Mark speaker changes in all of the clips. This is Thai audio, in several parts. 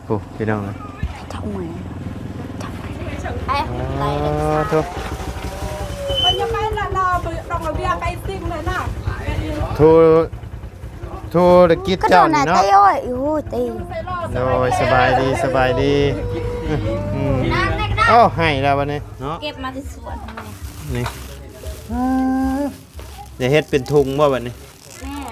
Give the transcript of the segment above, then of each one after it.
Speaker 1: โอ้พี่น้องเลย
Speaker 2: ทำไมไอ้ไร
Speaker 1: ทุก
Speaker 3: ยังไงล่ะเราต้องเอาเบียร์ไปซิมเลยนะ
Speaker 1: ธุรกิจเจ้านี่เนาะ
Speaker 2: ตีโอ้ยตี
Speaker 1: โดยสบายดีโอ้ให้แล้ววันนี้เนาะ
Speaker 2: เก็บมาที่สวน
Speaker 1: นี่จะเฮ็ดเป็นทุงบ่วันนี้
Speaker 2: แม่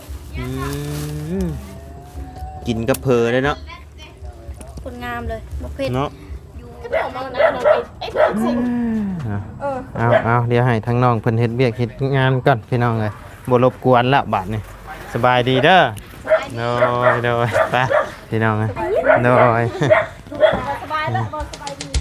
Speaker 1: กินกับเพอเลยเนาะ
Speaker 2: คนงามเลยบุฟเฟ่
Speaker 1: เนาะ
Speaker 3: ก็เดี๋ยวมานะเราไปไอ้เพื่อนซิม
Speaker 1: เอาเดี๋ยวให้ทั้งน้องเพิ่นเฮ็ดเวียกเฮ็ดงานก่อนพี่น้องเลยบ่รบกวนละบาดนี่สบายดีเด้อโดยไปพี่น้องเลยโดย
Speaker 3: สบายแล้วสบายดี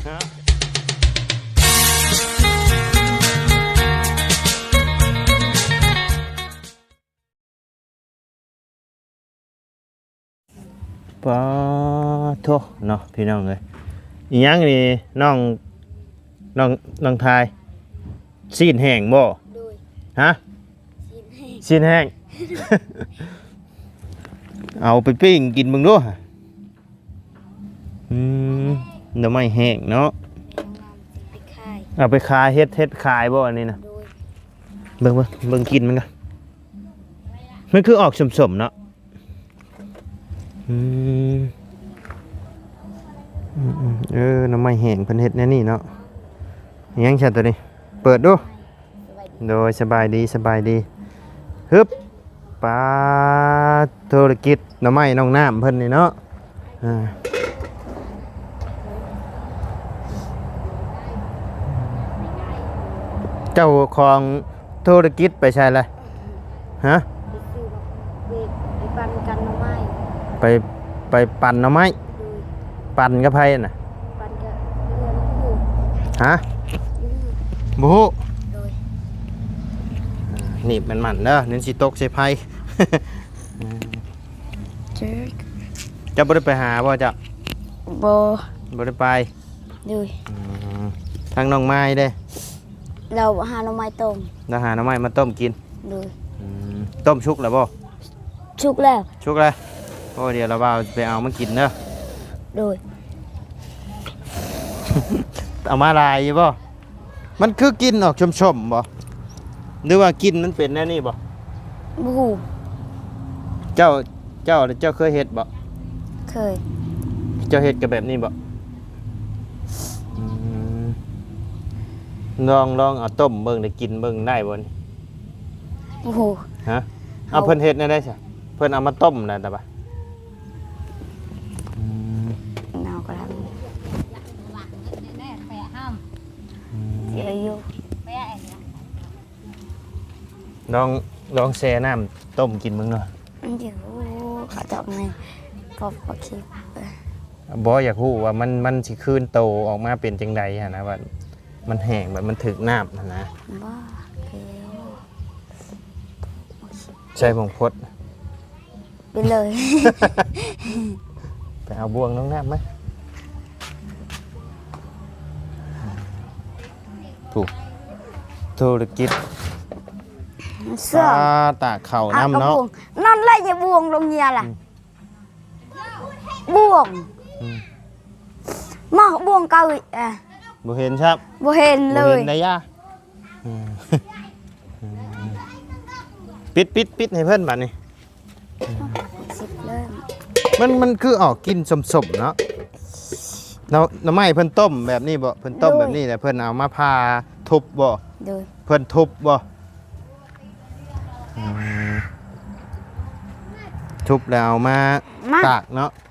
Speaker 1: ปะโถเนาะพี่น้องเลยอีหยังนี่น้องทายซีนแห้งบ่ฮะซีนแห้ง เอาไปปิ้งกินมึงด้วยเดี๋ยวไม่แห้งเนาะเอาไปขายเฮ็ดขายบ่อันนี้นะเบิ่งกินมันกันมันคือออกสมๆเนาะน้ำไม่แห้งเพิ่นเฮ็ดแน่นี่เนาะยังฉันตัวนี้เปิดดูโดยสบายดีฮึบปลาธุรกิจน้ำไม้น้องน้ำเพิ่นนี่เนาะเจ้าของธุรกิจไปใช่เลยฮะ
Speaker 2: ไปปั่นกันน้ำไม้
Speaker 1: ไปปั่นน้ำไม้ปั่นกับไผน่ะ
Speaker 2: ปั่นกับเรือผู้
Speaker 1: ฮะบูนี่มันเด้อเน้นสิตกใส่ไผจะบ่ได้ไปหาบ่จ้ะบ่ได้ไป
Speaker 2: เลย
Speaker 1: ทางน้องไม้เด้
Speaker 2: เราหาหน่อไม้ต้ม
Speaker 1: เราหาหน่อไม้มาต้มกิน
Speaker 2: เลย
Speaker 1: ต้มชุกแล้วบ่
Speaker 2: ชุกแล้ว
Speaker 1: โอ้เดี๋ยวเราไปเอามากินเด้อ
Speaker 2: เลย
Speaker 1: เอามาลายอยู่บ่มันคือกินออกชมๆบ่หรือว่ากินมันเป็นแน่นี่บ่
Speaker 2: บู๊
Speaker 1: เจ้าเคยเฮ็ดบ่
Speaker 2: เคย
Speaker 1: เจ้าเฮ็ดกับแบบนี้บ่ลองเอาต้มเบิ่งได้กินเบิ่งได้บ่นี่
Speaker 2: โอ้โห
Speaker 1: ฮะเอาเพิ่นเฮ็ดได้ซะเพิ่นเอามาต้มน่ะตาบ่
Speaker 2: เอาก็ทำเสียอยู่
Speaker 1: ลองแช่น้ำต้มกินมึงเนาะ
Speaker 2: เดี๋ยวเขาจะไงพอคิด
Speaker 1: บ่อยากรู้ว่ามันสิคืนโตออกมาเป็นจังได๋ฮะนะว่ามันแห้งแบบมันถึกน้ำนะ
Speaker 2: บ้า
Speaker 1: ใช่ผงพด
Speaker 2: ไปเลย
Speaker 1: ไปเอาบ่วงน้องน้ำไหมถูกธุรกิจ
Speaker 2: เสื้อ
Speaker 1: ตาเข่าน้ำเนาะ
Speaker 2: นั่นแหละอย่าบ่วงลงเมียล่ะบ่วงมาบ่วงเกาอีก
Speaker 1: บ่เห็นครับ
Speaker 2: บ่เห็นเลย
Speaker 1: บ่เห็นได้ย่าปิดให้เพิ่นบัดนี้มันคือออกกินสมๆเนาะน้ำไม้เพิ่นต้มแบบนี้บ่เพิ่นต้มแบบนี้แต่เพิ่นเอามาพาทุบบ่เพิ่นทุบบ่ทุบแล้วเอามาตากเนาะ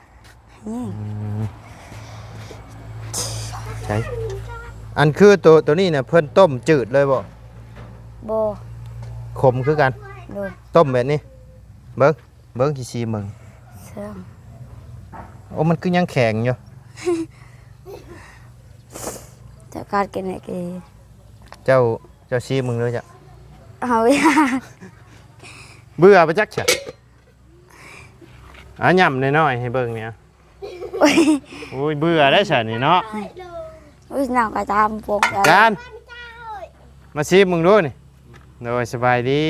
Speaker 1: ใช่อันคือตัวนี้เนี่ยเพิ่นต้มจืดเลยบ่ขมคือกันต้มแบบนี้เบิ้งชีมึงโอ้มันคือยังแข็งอยู่
Speaker 2: จะการกินอะไรกัน
Speaker 1: เจ้าชีมึงเลยจ้ะ
Speaker 2: เอา
Speaker 1: เบื่อไปจักเฉะย่ำน้อยๆให้เบิ้งเนี่ยโอ้ยเบื่อได้เฉะนี่เนาะ
Speaker 2: นั่งกระทำพวก
Speaker 1: การมาชีมึงด้วยนี่โดยสบายดี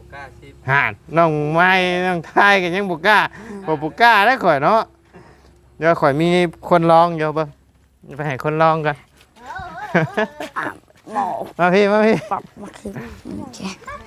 Speaker 1: ห่านน้องไม้น้องไทยกันยังบุกล้าได้ข่อยเนาะเดี๋ยวข่อยมีคนลองอยู่เบิ่งไปให้คนลองกัน
Speaker 2: หมอ
Speaker 1: มาพี่มาพี่
Speaker 2: ปรับมาคือโอเค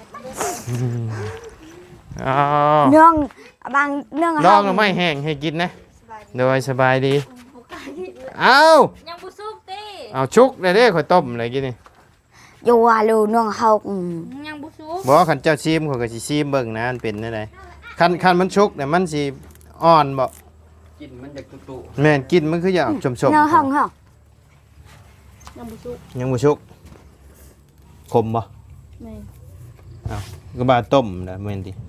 Speaker 1: อ๋อ
Speaker 2: เนื่องบางเนื่อง
Speaker 1: ลองหน่อไม้แห้งให้กินนะโดยสบายดีเอา
Speaker 3: ยังบุซุกตี
Speaker 1: เอาชุกเลยเด้ข่อยต้มอะไรกินนี่
Speaker 2: อยู่ว่าลูเนื่องเฮา
Speaker 3: ยังบุซุก
Speaker 1: บ่คันเจ้าชิมข่อยก็สิชิมเบิ่งนะมันเป็นจังไดคันมันชุกเนี่ยมันสิอ่อนบ่
Speaker 4: กินมันจะตุ่
Speaker 1: แม่นกินมันคืออยากชม
Speaker 2: เนื่องห้องเฮา
Speaker 3: ยังบุซุก
Speaker 1: ๆยังบ่ชุกขมบ่
Speaker 3: แม่
Speaker 1: ก็บาต้มนะแม่นติ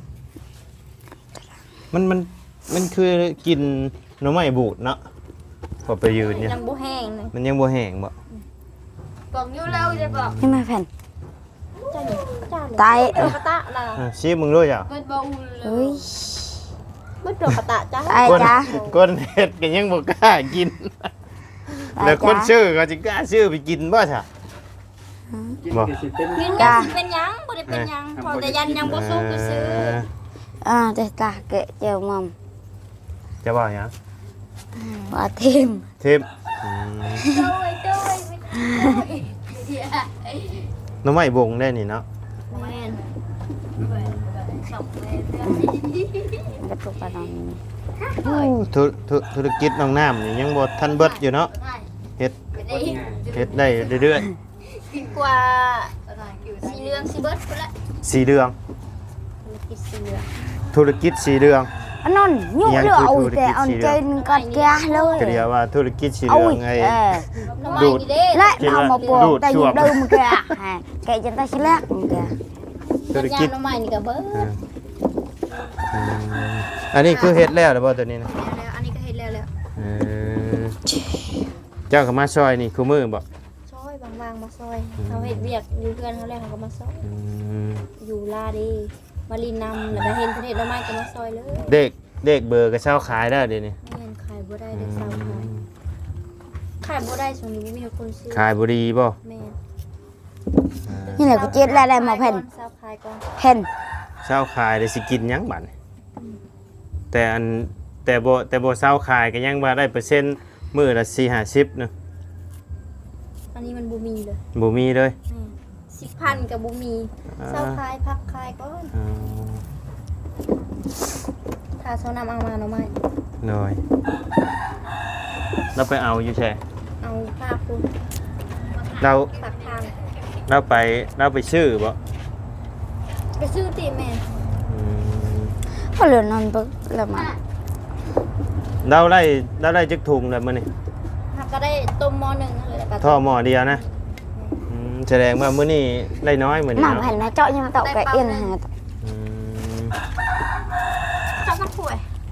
Speaker 1: มันคือกินหน่อไม้บูดเนาะพอไปยืนเนี่ย
Speaker 3: ยังบุแห้งเลย
Speaker 1: มันยังบ่แห้งบ่
Speaker 3: บอกอยู่แล้วจะบอก
Speaker 2: นี่มาแผ่น
Speaker 3: จ้าหนิจ้าเลย
Speaker 2: ตาย
Speaker 3: เปิดกระตะล่ะ
Speaker 1: ชิมมึงด้วยจ้ะ
Speaker 3: เปิดบอลเล
Speaker 2: เฮ้
Speaker 3: ย
Speaker 2: ย
Speaker 3: เปิดเปิดกระตะจ้า
Speaker 2: ตายจ้า
Speaker 1: ก้นเฮ็ดก็ยังบ่กล้ากิน แล้วคนชื่อก็สิกล้าชื่อไปกินบ่ซะ
Speaker 4: ๆกิน
Speaker 1: บ่
Speaker 4: ก็สิเป็น
Speaker 3: ยืนยันสิเป็นหยังบ่ได้เป็นหยังพอแต่ยันยังบุซุกก็ซื้อ
Speaker 2: เด็กตาเกะเจียวมัม
Speaker 1: จะบอกหยัง
Speaker 2: ว่าทิม
Speaker 1: ทิม
Speaker 3: โดยโดย
Speaker 1: หน้ำไม้บงได้นี่เนาะ
Speaker 3: แม่น
Speaker 2: กระตุกกระดอง
Speaker 1: ธุรกิจน้องน้ำนี่ยังบ่ทันเบิดอยู่เนาะเฮ็ดได้เรื่อย
Speaker 3: กินกว่าสีเหลืองสีเบิร์ดไปละ
Speaker 1: ๆสีเหลือง
Speaker 3: กินสีเหลือง
Speaker 1: ธุรกิจสีเหลือง
Speaker 2: อันนั้นยุ่งเรื่องเอาแต่เอาใจกัดแกเลย
Speaker 1: ก็เรียกว่าธุรกิจสีเหลืองไอ้
Speaker 3: น้ำมัน
Speaker 1: ดูด
Speaker 3: นี่เด้
Speaker 2: และเอามาปลู
Speaker 1: ดู
Speaker 2: ก
Speaker 1: ด
Speaker 2: แต่
Speaker 1: ช่
Speaker 2: ยุ่
Speaker 1: ว
Speaker 2: ง
Speaker 1: ง
Speaker 2: เดิมแกแกจะได้ชิ้นแรกแก
Speaker 1: ธุร
Speaker 3: ยา
Speaker 1: กิจ
Speaker 3: น้ำมันนี่ก็เบิร์ด
Speaker 1: อันนี้คือเฮ็ดแล้วหรือบ่ตัวนี้นะ
Speaker 3: แล้วอันนี้ก็เห็นแล้ว
Speaker 1: เออเจ้าก็มาซอยนี่คือมือบ่
Speaker 3: ซอยบางๆมาซอยเขาเห็ดเวียกอยู่เพื่อนเขาแล้วเขาก็มาซอย
Speaker 1: อืม
Speaker 3: อยู่ลาดีมารีนำแล้วก็เห็นเห็ดน้ำมันก็มาซอยเลย
Speaker 1: เด็กเบอร์ก็เช่าขายได้เดี๋ยวนี้
Speaker 3: แม่นขายบ่ได้เด็กสาวขายบ่ได้ช่วงนี้ไม่มีคนซื้อ
Speaker 1: ขายบุรีบ่
Speaker 3: แม่น
Speaker 2: นี่แหละกูเจ็ดแล้วได้มาแผ่น
Speaker 3: สาวขายก่อน
Speaker 2: แผ่น
Speaker 1: เช่าขายได้สิกินหยังบัดนี้แต่บ่เช่าขายก็ยังว่าได้เปอร์เซ็นต์มื้อละ4-50นึง
Speaker 3: อันนี้มันบ่มีเลย
Speaker 1: บ่มีเลย
Speaker 3: 10,000กับบ่มีสาวขายพักขายก่อน
Speaker 1: อ๋อ
Speaker 3: ถ้าเช้านำเอามาหน่อไม้
Speaker 1: หน่อยเราไปเอาอยู่ใช่
Speaker 3: เอาภาพคุณ
Speaker 1: เรา
Speaker 3: ปักทาง
Speaker 1: เราไปซื้อบ่
Speaker 3: ไปซื้อตีแม่
Speaker 1: อืม
Speaker 2: ก็เหลือนอนปึ๊กแล้วมา
Speaker 1: เราได้จักถุงแล้วมื้อนี้
Speaker 3: หักก็ได้ต้มหม้อหนึ่งเลยแล้วก็
Speaker 1: ท่อหม้อเดียวนะแสดงว่ามื้อนี้ได้น้อยมื้อนี้
Speaker 2: หนัง
Speaker 1: เนาะ
Speaker 2: แผ่นนะเจาะยังเต่าแกเอียนหา
Speaker 1: อืม
Speaker 3: เจ้าก็ป่วย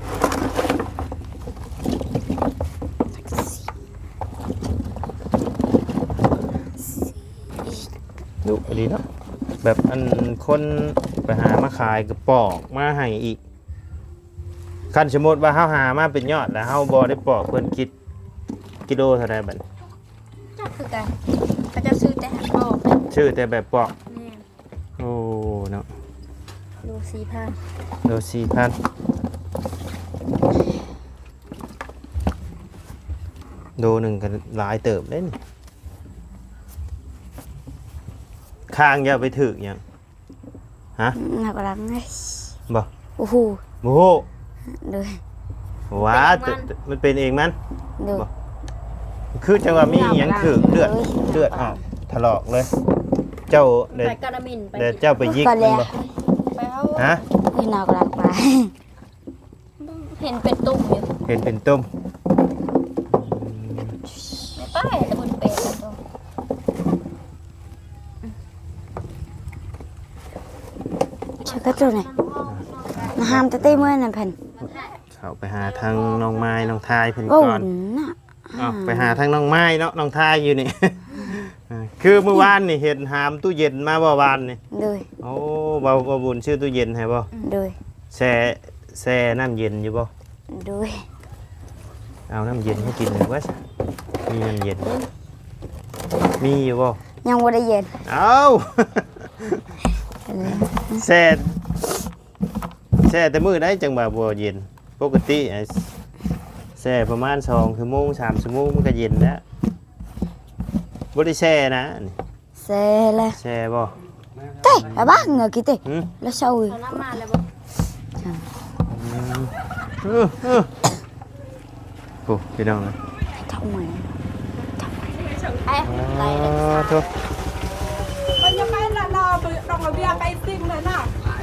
Speaker 1: ดุดีเนาะแบบอันคนไปหามาขายกระปอกมาให้อีกคันสมมุติว่าเฮาหามาเป็นยอดแล้วเฮาบ่ได้ปอกเพิ่นคิดกิโลเท่าใดบัดนี้
Speaker 3: เจ้าคือกันเขาจะซื้อแต่หักออก
Speaker 1: ชื่อแต่แบบปอก
Speaker 3: แม่
Speaker 1: โอ้เนาะ
Speaker 3: ดู4,000
Speaker 1: โล4,000โลหนึงก็หลายเติบเด้นี่ข้างอย่าไปถึกหยัง
Speaker 2: หนักหลังไง
Speaker 1: บ่
Speaker 2: โอ้โห
Speaker 1: โอ้โห
Speaker 2: เลย
Speaker 1: ว้ามันเป็นเองมัน
Speaker 2: ดู
Speaker 1: คือจังว่ามีหยังถึกเลือดออกถลอกเลย เจ้าเด็
Speaker 3: ไปกระมินไป
Speaker 1: เจ้าไปยิกมันบ่
Speaker 3: ไปเอา
Speaker 1: ฮะ
Speaker 2: นี่หนักหลังไป
Speaker 3: เห็นเป็นตุ่มอยู่
Speaker 1: เห็นเป็นต้ม
Speaker 3: ไม่ป้ายแต่บนเป็ดตุ่ม
Speaker 2: เชื่อก็ตัวไหนมาห้ามตะเต้เมื่อนั่นแผ่น
Speaker 1: เข้าไปหาทางน้องไม้น้องทายเพิ่น
Speaker 2: โอ้
Speaker 1: ก่อน
Speaker 2: น่ะ
Speaker 1: อ้าวไปหาทางน้องไม้เนาะน้องทายอยู่นี่ คือเมื่อวานนี่เห็นหามตู้เย็นมาบ่วานนี่
Speaker 2: เลย
Speaker 1: โอ้บ่บุญชื่อตู้เย็นให้บ่
Speaker 2: เลย
Speaker 1: แช่น้ำเย็นอยู่บ่
Speaker 2: เลย
Speaker 1: เอาน้ำเย็นให้กินหรือว่ามีน้ำเย็นมีอยู่บ่
Speaker 2: ยังบ่ได้เย็น
Speaker 1: เอา แช่แต่มื้อได้จังบ่าบ่เย็นปกติช่ประมาณ2ชั่วโมง3ชั่วโมงมันก็เย็นแล้วบ่ได้แช่นะนี่
Speaker 2: xe là
Speaker 1: แช่บ่
Speaker 2: tê là bác ngờ kì tê
Speaker 1: หึ
Speaker 2: là sâu rồi
Speaker 3: เอาน้ำมาเลยบ่
Speaker 1: โอ้พี่น้องเลย
Speaker 2: thông mày
Speaker 3: ไอ้ไรเลย
Speaker 1: โถ่
Speaker 5: มันยังไม่ละนอไปดองระเบียงไปซิมเลยนะ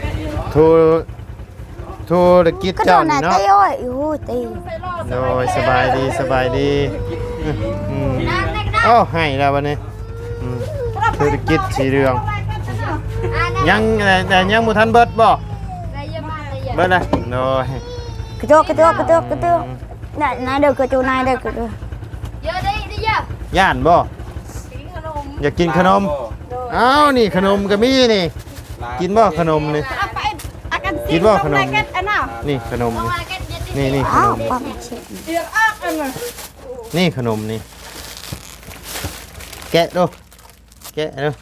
Speaker 1: โทรตะกิด
Speaker 2: cái
Speaker 1: เจ้า
Speaker 2: đồ
Speaker 1: นี่
Speaker 2: này
Speaker 1: เนาะ
Speaker 2: tê ơi ui tê
Speaker 1: โดยสบายดีสบายดีอืมอ้าวให้แล้ววันนี้อืมธุรกิจสีเหลืองยังแต่ยังบ่ทันเบิดบ่
Speaker 3: ได้เยอะมากเลย
Speaker 1: เบิดเลยโดย
Speaker 2: cái tô này này được cái chỗ này được cái đồ
Speaker 3: เยอะได้เยอะ
Speaker 1: ย่านบ่อยากกินขนมอ้าวนี่ขนมก็มีนี่กินบ่ขนมนี่
Speaker 5: เอาไปอากันซิ
Speaker 1: กิ
Speaker 5: ม
Speaker 1: นบ่ขนม
Speaker 5: ลงในกันอันน่ะ
Speaker 1: นี่ขนม
Speaker 3: เพราะ
Speaker 1: นี่
Speaker 3: ว่าแกเย็น
Speaker 1: นี่นี่ขน
Speaker 2: áo
Speaker 1: ม
Speaker 2: con chị
Speaker 5: เอียงอักอันน่ะ
Speaker 1: นี่ขนมนี่แกะดูแกะดู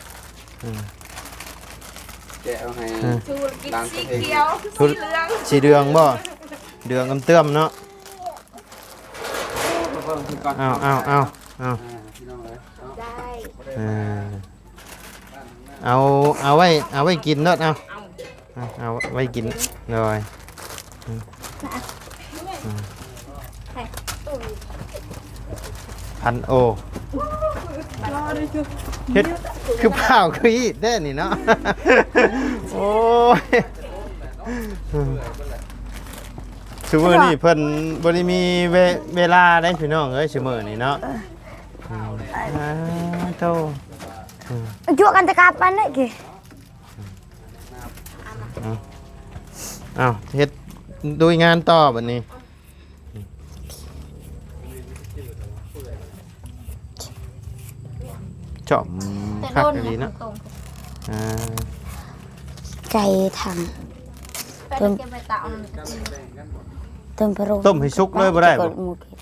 Speaker 4: แกะเอาให้
Speaker 5: ชูกิน
Speaker 4: ล้าง
Speaker 5: สี
Speaker 4: ตัวเอง
Speaker 5: เขียว
Speaker 1: ทุสีเดืองบ่เดืองกำเตื้อมเนาะ
Speaker 4: เพิ่มขึ้นก่อน
Speaker 1: เอา
Speaker 4: พี่น้องเอ้ยเอา
Speaker 3: ได้
Speaker 1: เออเอาไว้กินเนาะเอาไว้กินเลยพันโอเฮ็ดคือเปล่าคืออีกได้นี่เนาะ โอ้ยซุมื้อนี้เพิ่นบ่ได้มีเวลาได้พี่น้องเอ้ยซุมื้อนี้เนาะโต
Speaker 2: chuaกันตะกาปันđấy kì
Speaker 1: อ้าวเฮ็ดดูงานต่อบัดนี้จอม
Speaker 3: แต่
Speaker 1: คัก
Speaker 3: โดน
Speaker 1: ดีเนาะ
Speaker 3: ตรง
Speaker 1: อ่า
Speaker 2: cày thằng
Speaker 3: ไปเก็บไปtạoมันจะกิน
Speaker 2: tôm pro
Speaker 1: ต้มให้สุกเลยบ่ได้บ่
Speaker 2: một kì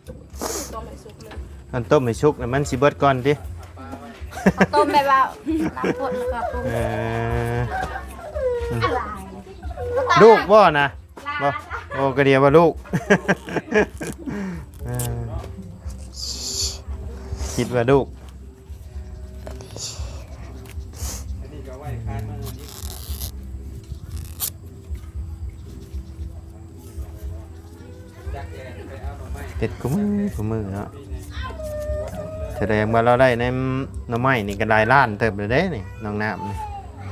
Speaker 1: อันต้มให้สุกน่ะมันสิเบิดก่อนติ
Speaker 3: ต้มแบบว่าน้ำข้นแล้วก็ปรุง
Speaker 1: เออ
Speaker 3: อะไร
Speaker 1: ลูกบ่นะบ่โอ้ก็เดียวว่าลูก เออคิดว่าลูกเผ็ดกูมือเนาะแสดงว่าเราได้ในหน้ำไม้นี่ก็หลายล้านเติบเลยเด้นี่น้องน้ำนี่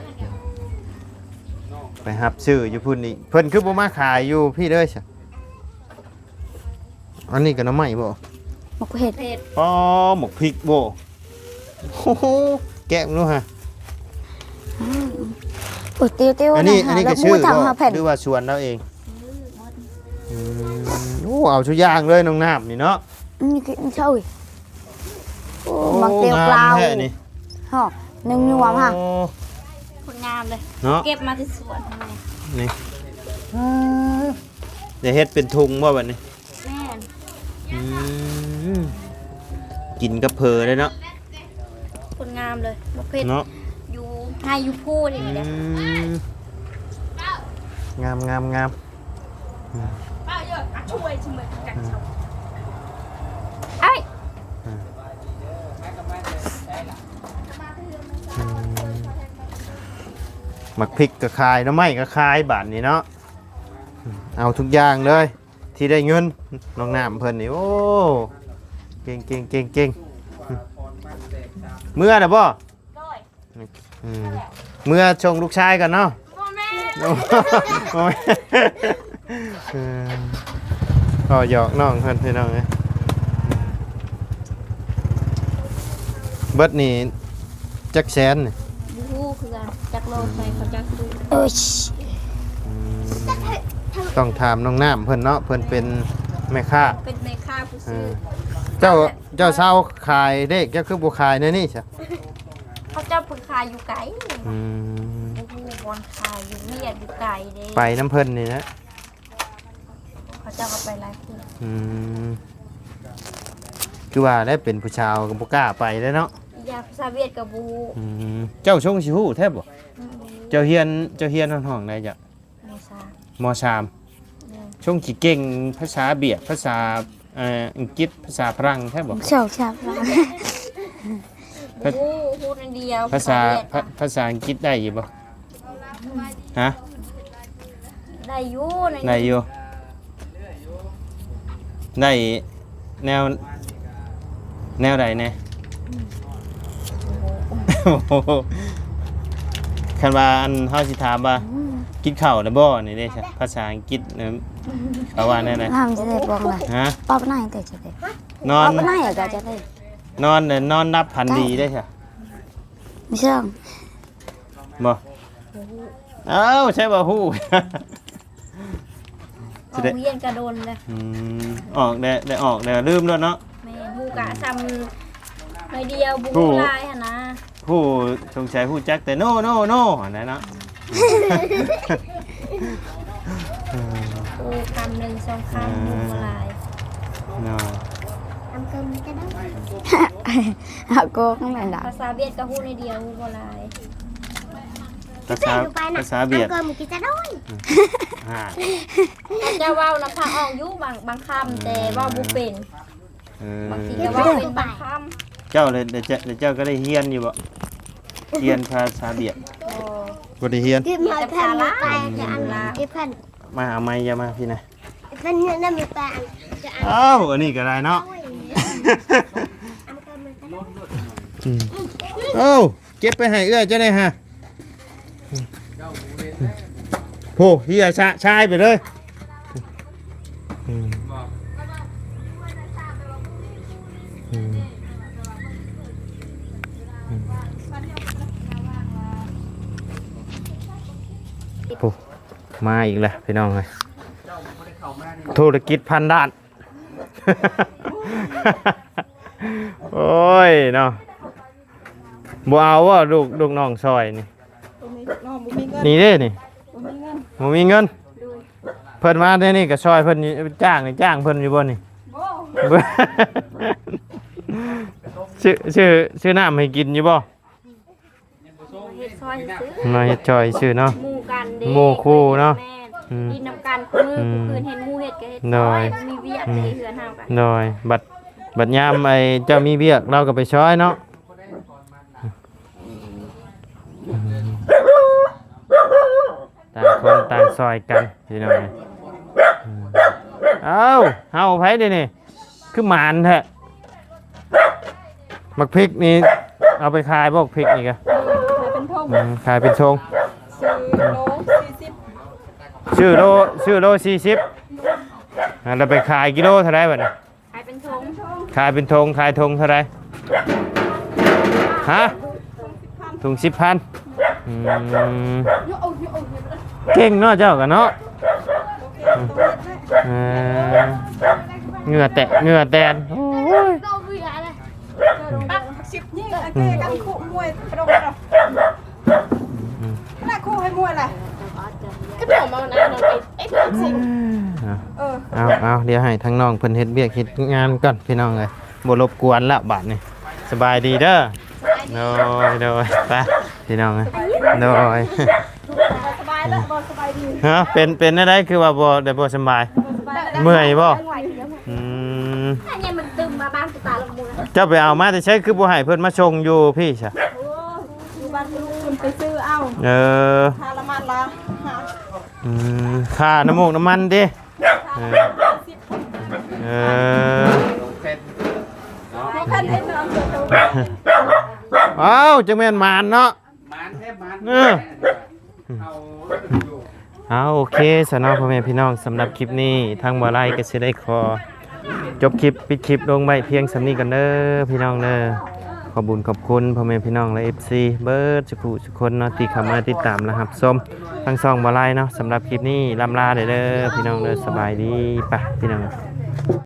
Speaker 1: ไปหับซื้ออยู่พุ่นนี่เพิ่นคือบ่มาขายอยู่พี่เด้อซะอันนี้ก็หน้ำไม้บ่
Speaker 2: một cái hệt
Speaker 3: เผ็ด
Speaker 1: อ๋อหมกพริกบ่โอ้โหแกะมันดูฮะ
Speaker 2: ủa tiêu tiêu
Speaker 1: อัน
Speaker 2: này
Speaker 1: นี้
Speaker 2: hả
Speaker 1: ก็
Speaker 2: là
Speaker 1: ชื่อ
Speaker 2: mua thằng
Speaker 1: บ่
Speaker 2: hả phèn
Speaker 1: หรือว่าสวนเราเองโอ้เอาชุดย่างเลยน้องน้ำนี่เนาะ
Speaker 2: như cái chơi
Speaker 1: โอ้
Speaker 2: mặc tiêu
Speaker 1: งาม
Speaker 2: cloud
Speaker 1: แท้นี่
Speaker 2: hả nâng như mắm hả
Speaker 1: โอ้
Speaker 3: คนงามเลย
Speaker 1: เนาะ
Speaker 3: เก็บมาที่สวนทำไม
Speaker 1: นี่เดี๋ยวเฮ็ดเป็นทุงบ่บัดนี้
Speaker 3: แม่น
Speaker 1: อืมกินกับเพอเลยเนาะ
Speaker 3: คนงามเลยมะเผ็ด
Speaker 1: เนาะ
Speaker 3: อยู่ให้อยู่พูดอย่าง
Speaker 1: อื
Speaker 3: นี้เลย
Speaker 1: มงาม
Speaker 5: ป้าเยอะอ่ะช่วยชิมเลยกันชาว
Speaker 3: ไอ้
Speaker 1: หมักพริกก็ขายหน้ำไม้ก็ขายบาทนี้เนาะเอาทุกอย่างเลยที่ได้เงินน้องน้ำเพิ่นนี่โอ้เก่งเมื่อน่ะบ่อืมเมื่อชงลูกชายกันเนาะ
Speaker 3: พ่อแม่
Speaker 1: โอ้ยก็หยอกน้องเพิ่นพี่น้องเอ้ยเบิดนี่จักแสนนี่
Speaker 3: บูคือกันจักโลไปเขาจักดู
Speaker 2: ơi
Speaker 1: ต้องถามน้องน้ำเพิ่นเนาะเพิ่นเป็นแม่ค้า
Speaker 3: เป็นในค่าผู้
Speaker 1: เอ
Speaker 3: ซื้อ
Speaker 1: อเจ้าเศร้าขายเด็กเจ้าคือบ่ขายในนี่ใช่
Speaker 3: เขาเจ้าเพิ่งขายอยู่ไกล
Speaker 1: อืม
Speaker 3: บูบอลขายอยู่เวียดอยู่ไกลเด้
Speaker 1: ไปน้ำเพิ่นนี่นะ
Speaker 3: เขาเจ้าก็ไปหลายคน
Speaker 1: อืมคือว่าได้เป็นผู้ชาวก็บ่กล้าไปแล้วเนาะ
Speaker 3: ยาภาษาเวียดกับบู
Speaker 1: อืมเจ้าชงสิฮู้แท้บ่เจ้าเฮียนห้องใดจ้ะ
Speaker 3: โมซาม
Speaker 1: ม.3 ช่วงสิเก่งภาษาเบียดภาษาอังกฤษภาษาฝรั่งแท้บ่
Speaker 2: ชอบชอบร้าน
Speaker 3: พูดอันเดียว
Speaker 1: ภาษาอังกฤษได้อยู่บ่ฮะ
Speaker 3: ได้อยู่ใน
Speaker 1: ได้อยู่ได้แนวใดแน่คันว่าอันเฮาสิถามว่ากินข้าวแล้วบ่นี่เด้ภาษาอังกฤษเขาว่าแน่
Speaker 2: ทำจะได้บอกเลย
Speaker 1: ฮะ
Speaker 2: ป๊อปไหนแต่จะได้
Speaker 1: นอน
Speaker 2: ป๊อปไหนอะก็จะได้
Speaker 1: นอนนับพันดีได้ใช่
Speaker 2: ไม่เชื่อง
Speaker 1: บ่เอ้าใช่บ่ฮู้
Speaker 3: ออกเวียนกระโดนเลย
Speaker 1: ออกได้ออกได้ลืมแล้วเนาะ
Speaker 3: แม่ฮู้กะซ้ำไม่เดียวบุกลายหั่นนะ
Speaker 1: ผู้สงสัยผู้จักแต่โนอันนั้นเนาะ
Speaker 3: โอ้คำหนึ่งสองคำบุกลาย
Speaker 1: เนาะ
Speaker 2: เอาโก้ข้างในด่า
Speaker 3: ภาษาเวียดก็ฮู้ในเดียวฮู้บ่ลาย
Speaker 1: ภาษาเบียด
Speaker 2: เกินกินจะได้
Speaker 1: ฮ่า
Speaker 3: เขาจะเว้าน้ำพังออกอยู่บางคำแต่เว่าบ่เป็น บางทีก็เว่าเป็นบางคำ
Speaker 1: เจ้าเลยเดี๋ยวเจ้าก็ได้เฮียนอยู่บ่เฮียนภาษาเบียด
Speaker 3: โอ้
Speaker 1: บ่ได้เฮียน
Speaker 2: กินมาแผ่นละจะอันละกินแผ่น
Speaker 1: มาเอาไม้อย่ามาพี่นะ
Speaker 2: แผ่นเนี่ยนั่นมีแป้งจะอัน
Speaker 1: เอ้าอันนี้ก็ได้เนาะเอ้าเก็บไปให้เอื้อเจ้าได้ฮะโหเฮียชายไปเลยโอ้มาอีกแล้วพี่น้องเลยธุรกิจพันด้าน โอ้ยเนาะบ่เอาว่าลูกน้องซอยนี่
Speaker 5: น้องบ่มีเงิน
Speaker 1: นี่เด้นี่
Speaker 5: บ่มีเงิน
Speaker 1: บ่มีเงินเพิ่นมาได้นี่ก็ซอยเพิ่นจ้างเพิ่นอยู่บ่นี่
Speaker 5: บ่
Speaker 1: ชื่อน้ำให้กินอยู่บ่
Speaker 3: เฮ็ดซอยซื้อ
Speaker 1: มาเฮ็ดจอยชื่อเนาะ
Speaker 3: หมู่กันเด้
Speaker 1: หมู่คู่เนาะ
Speaker 3: แม่ดินนำกันมือผู้คืนเห็นหมู่เฮ็ดก็เฮ็ด
Speaker 1: น้
Speaker 3: ซ
Speaker 1: อ
Speaker 3: อย ยมีเวียกในเฮือนเฮากัน
Speaker 1: โดยบัดยามไอ้เจ้ามีเวียกเราก็ไปช้อยเนาะต่างคนต่างซอยกันพี่น้องเอ้าเฮาไผเด้นี่คือหมานแท้มักพริกนี่เอาไปขายบ่พริกนี่กะ
Speaker 5: เป็นทง
Speaker 1: ขายเป็นทง
Speaker 5: ซื้อโล40
Speaker 1: ชื่อโล40เราไปขายกิโลเท่าไรบัดนี้
Speaker 3: ขายเป็นทง
Speaker 1: ขายเป็นทงขายทงเท่าไรฮะถุง10,000เก่งเนาะเจ้ากันเนาะเหงื่อแตนโอ้ย
Speaker 5: ปัก10ยิ่งไอ้เจ๊กันคู่มวยกระโดดเนาะน่าคู่ให้มวยแหละก็ผมเอานะน้องไอ้สิง
Speaker 1: เอาเดี๋ยวให้ทั้งน้องเพิ่นเฮ็ดเวียกเฮ็ดงานก่อนพี่น้องเอ้ยบ่รบกวนละบาดนี้สบายดีเด้อโดยไปพี่น้องเอ้ยโดย
Speaker 5: สบายแล้วบ่สบายดี
Speaker 1: ฮะเป็นได้คือว่าบ่ได้บ่สบายเมื่อยบ่อืม
Speaker 3: อันนี้มันตึมมาบ้านกูตาลงมูล
Speaker 1: เจ้าไปเอามาแต่ใช้คือบ่ให้เพิ่นมาชงอยู่พี่ซะ
Speaker 5: อยู่บ้านลูกคุณไปซื้อเอา ทาละมันละ
Speaker 1: ค่าน้ำมูกน้ำมันดิ
Speaker 4: ลงเพชรเนาะ
Speaker 5: ให้คันให้น้องเกิดตัว
Speaker 1: อ้าวจังแม่นมานเนาะ
Speaker 4: มันแทบมัน
Speaker 1: เออ
Speaker 4: เอาอยู่
Speaker 1: เอาโอเคสำหรับพ่อแม่พี่น้องสำหรับคลิปนี้ทางบ่ไล่ก็สิได้ขอจบคลิปปิดคลิปลงไว้เพียงสำนี้กันเด้อพี่น้องเด้อขอบคุญขอบคุณพ่อแม่พี่น้องและ FC เบิร์ดสุขุสุคนเนาะที่เข้ามาติดตามนะครับชมทั้งสองบ่ไล่เนาะสำหรับคลิปนี้ลำลาเด้อพี่น้องเด้อสบายดีป่ะพี่น้อง